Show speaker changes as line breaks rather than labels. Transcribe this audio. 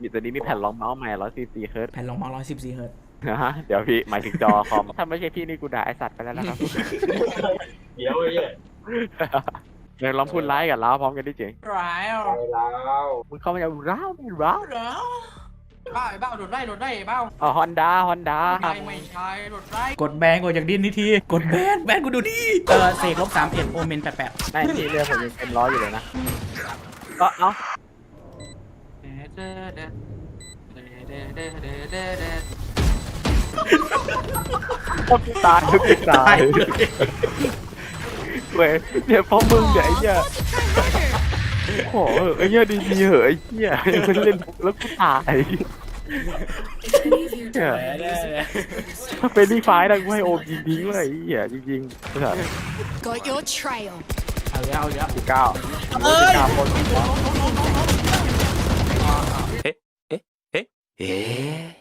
ตัวนี้มีแผ่นรองเมาส์ใหม่144 เฮิร์ตซ์
แผ่นรองเมาส์114 เฮิร์ตซ์
นะฮะเดี๋ยวพี่หมายถึงจอคอมถ้าไม่ใช่พี่นี่กูด่าไอสัตว์ไปแล้วนะครับ
เดี๋ยวไอ้เนี่ย
เดี๋ยวลองพูดไลฟ์กับเราพร้อมกันดิเจ๋ง
ร้าย
ไปแล้ว
มึงเข้ามาจะร้าวไม่ร้าว
บ้าไอ้บ้าโดดไล่บ้า
อ๋อฮอนด้า
ไม่ใช่โดดไล่กดแบนกดจากดินนิทีกดแบนกูดูดิเสก-31โอเมน88
ไม่พี่เรือผมยังเต็มร้อยอยู่เลยนะก็เอ้าตายเว้ยเนี่ยเพราะมึงเนี่ยไอ้เหี้ยโอ้โหไอ้เหี้ยดีเหอะไอ้เหี้ยยังไม่เล่นแล้วกูตายเนี่ยถ้าเป็นดีไฟนะกูให้โอมยิงทิ้งเลยไอ้เหี้ยจริงๆนะครับ
Got your trail.
เอาเยอะ
19คน